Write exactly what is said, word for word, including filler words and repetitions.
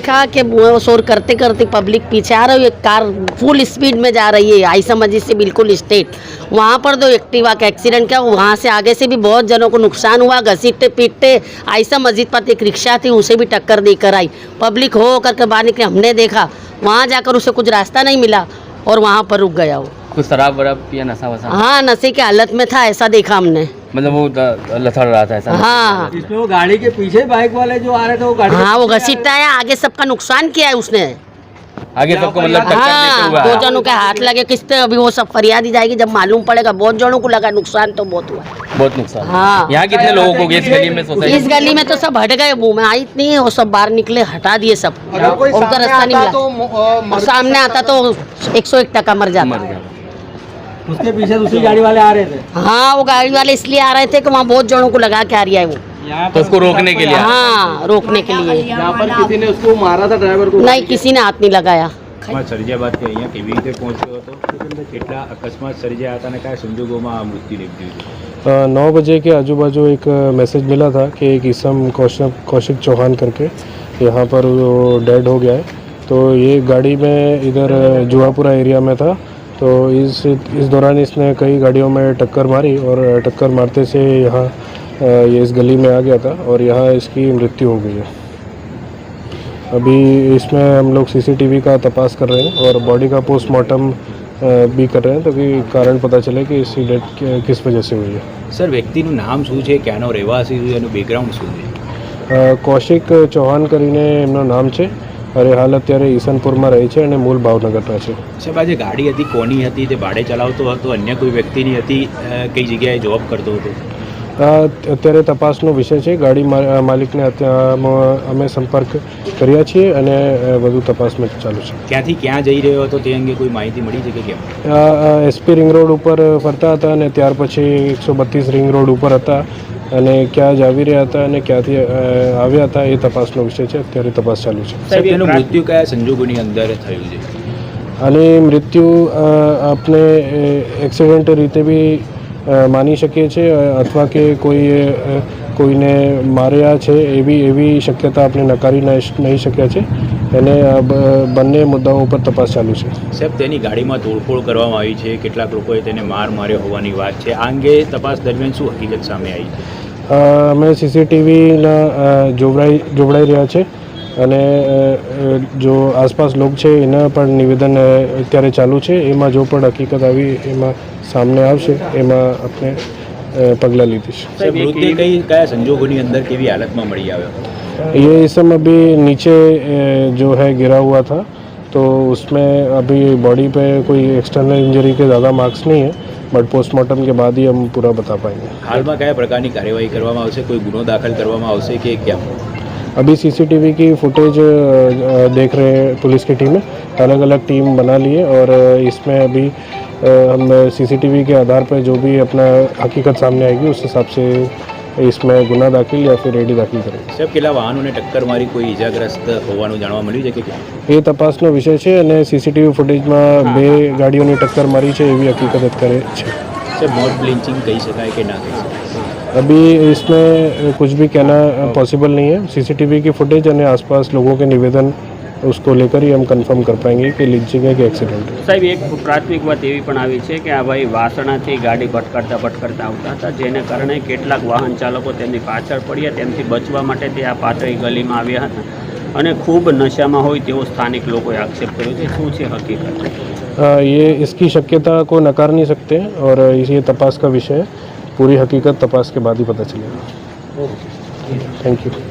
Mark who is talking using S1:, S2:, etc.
S1: देखा कि वो शोर करते करते पब्लिक पीछे आ रही है, कार फुल स्पीड में जा रही है आयशा मस्जिद से बिल्कुल स्ट्रेट। वहाँ पर दो एक्टिवा का एक्सीडेंट किया। वहाँ से आगे से भी बहुत जनों को नुकसान हुआ। घसीटते पीटते आयशा मस्जिद पर एक रिक्शा थी, उसे भी टक्कर देकर आई। पब्लिक हो करके बाहर निकले। हमने देखा वहाँ जाकर उसे कुछ रास्ता नहीं मिला और वहाँ पर रुक गया वो।
S2: कुछ शराब वराब या नशा वशा?
S1: हाँ, नशे की हालत में था, ऐसा देखा हमने।
S2: मतलब वो लथड़ रहा था ऐसा?
S1: हाँ,
S3: इसमें वो गाड़ी के पीछे बाइक वाले जो आ रहे थे वो गाड़ी
S1: हाँ वो घसीटता है, आगे सबका नुकसान किया है उसने।
S2: आगे सबको मतलब टक्कर देते
S1: हाँ,
S2: हुआ
S1: दो जनों के हाथ लगे किसते, अभी वो सब फरियादी जाएगी जब मालूम पड़ेगा। बहुत जनों को लगा नुकसान, तो बहुत हुआ।
S2: बहुत नुकसान।
S1: हाँ,
S2: यहाँ कितने लोगों को इस गली में सोसाइटी?
S1: इस गली में तो सब हट गए, मुंह में आई नहीं, वो सब बाहर निकले, हटा दिए सब। उनका रास्ता नहीं मिला। सामने आता तो एक सौ एक टका मर जाता।
S3: उसके पीछे दूसरी गाड़ी वाले आ रहे थे।
S1: हाँ, वो गाड़ी वाले इसलिए आ रहे थे कि वहाँ बहुत जनों को लगा के आ रही है वो,
S2: तो उसको रोकने के लिए?
S1: हाँ, रोकने के लिए।
S3: यहाँ पर किसी ने उसको मारा था, ड्राइवर को?
S1: नहीं, किसी ने हाथ नहीं लगाया।
S4: સર્જાયા બાદ કે અહીંયા કેવી રીતે પહોંચ્યો હતો, કેટલા અકસ્માત સર્જાયા હતા અને કયા સંજોગોમાં આ મૃત્યુ નિપજ્યું?
S5: नौ बजे के आजू बाजू एक मैसेज मिला था कि एक इसम कौशिक कौशिक चौहान करके यहाँ पर वो डेड हो गया है। तो ये गाड़ी में इधर जुआपुरा एरिया में था, तो इस इस दौरान इसने कई गाड़ियों में टक्कर मारी और टक्कर मारते से यहाँ ये इस गली में आ गया था और यहाँ इसकी मृत्यु हो गई है। अभी इसमें हम लोग सीसीटीवी का तपास कर रहे हैं और बॉडी का पोस्टमार्टम भी कर रहे हैं ताकि कारण पता चले कि इसकी डेथ किस वजह से हुई है।
S4: સર વ્યક્તિનું નામ શું છે, ક્યાંનો રહેવાસી છે, એનું બેકગ્રાઉન્ડ શું છે?
S5: કૌશિક ચૌહાણ કરીને એમનું નામ છે અને હાલ અત્યારે ઈસનપુરમાં રહે છે અને મૂળ ભાવનગરના છે।
S4: સાહેબ આજે ગાડી હતી કોની હતી, તે ભાડે ચલાવતો હતો, અન્ય કોઈ વ્યક્તિની હતી, કઈ જગ્યાએ જોબ કરતો હતો?
S5: અત્યારે તપાસનો વિષય છે। ગાડી માલિકને અમે સંપર્ક કર્યા છીએ અને વધુ તપાસમાં ચાલુ છે।
S4: ક્યાંથી ક્યાં જઈ રહ્યો હતો તે અંગે કોઈ માહિતી મળી છે કે કેમ?
S5: એસપી રિંગ રોડ ઉપર ફરતા હતા અને ત્યાર પછી એકસો બત્રીસ રિંગ રોડ ઉપર હતા અને ક્યાં જ આવી રહ્યા હતા અને ક્યાંથી આવ્યા હતા એ તપાસનો વિષય છે। અત્યારે તપાસ ચાલુ છે।
S4: સાહેબ એનું મૃત્યુ કયા સંજોગોની અંદર થયું છે?
S5: અને મૃત્યુ આપણે એક્સિડન્ટ રીતે બી માની શકીએ છીએ અથવા કે કોઈ કોઈને માર્યા છે એવી એવી શક્યતા આપણે નકારી નહીં શક્યા છે અને બંને મુદ્દાઓ ઉપર તપાસ ચાલુ છે।
S4: સાહેબ તેની ગાડીમાં તોડફોડ કરવામાં આવી છે, કેટલાક લોકોએ તેને માર માર્યો હોવાની વાત છે, આ અંગે તપાસ દરમિયાન શું હકીકત સામે આવી છે? અમે સીસીટીવીના જોવડાઈ જોવડાઈ રહ્યા છે અને જો આસપાસ લોક છે એના પણ નિવેદન અત્યારે ચાલુ છે। એમાં જો પણ હકીકત આવી એમાં સામે આવશે એમાં આપણે પગલાં લીધી છે। મૃત્યુ કઈ કયા સંજોગોની અંદર કેવી હાલતમાં મળી આવ્યો?
S5: ये इसम अभी नीचे जो है गिरा हुआ था, तो उसमें अभी बॉडी पे कोई एक्सटर्नल इंजरी के ज़्यादा मार्क्स नहीं है, बट पोस्टमार्टम के बाद ही हम पूरा बता पाएंगे।
S4: हालમાં કયા પ્રકારની કાર્યવાહી કરવામાં આવશે, કોઈ ગુનો દાખલ કરવામાં આવશે કે क्या?
S5: अभी सीसीटीवी की फुटेज देख रहे हैं पुलिस की टीमें, अलग अलग टीम बना लिए और इसमें अभी हम सीसीटीवी के आधार पर जो भी अपना हकीकत सामने आएगी उस हिसाब से इसमें गुना दाखिल या फिर एडी दाखिल करेंगे।
S4: સાહેબ કેટલા વાહનોને ટક્કર મારી કોઈ ઇજાગ્રસ્ત હોવાનું જાણવા મળ્યું છે કે क्या?
S5: એ તપાસનો વિષય છે અને સીસીટીવી ફૂટેજમાં બે ગાડીઓની ટક્કર મારી છે એવી હકીકત અત્યારે છે।
S4: સાહેબ મોટ બ્લિંચિંગ કહી શકાય કે ના કહી શકાય?
S5: अभी इसमें कुछ भी कहना पॉसिबल नहीं है। सीसीटीवी की फुटेज और आसपास लोगों के निवेदन उसको लेकर ही हम कंफर्म कर पाएंगे कि लीचिंग है कि एक्सीडेंट है।
S6: साहब एक प्राथमिक बात एवी पण आवी छे के आ भाई वासणाथी गाड़ी भटकता भटकता आवता हता, जेने कारणे કેટલાક વાહન ચાલકો તેમની પાછળ પડ્યા, તેમથી બચવા માટે તે આ પાતળી ગલીમાં આવ્યા હતા અને ખૂબ નશામાં હોય તેવો સ્થાનિક લોકોએ આક્ષેપ કર્યો છે। શું છે હકીકત?
S5: ये इसकी शक्यता को नकार नहीं सकते और ये तपास का विषय है। पूरी हकीकत तपास के बाद ही पता चलेगा। Thank you.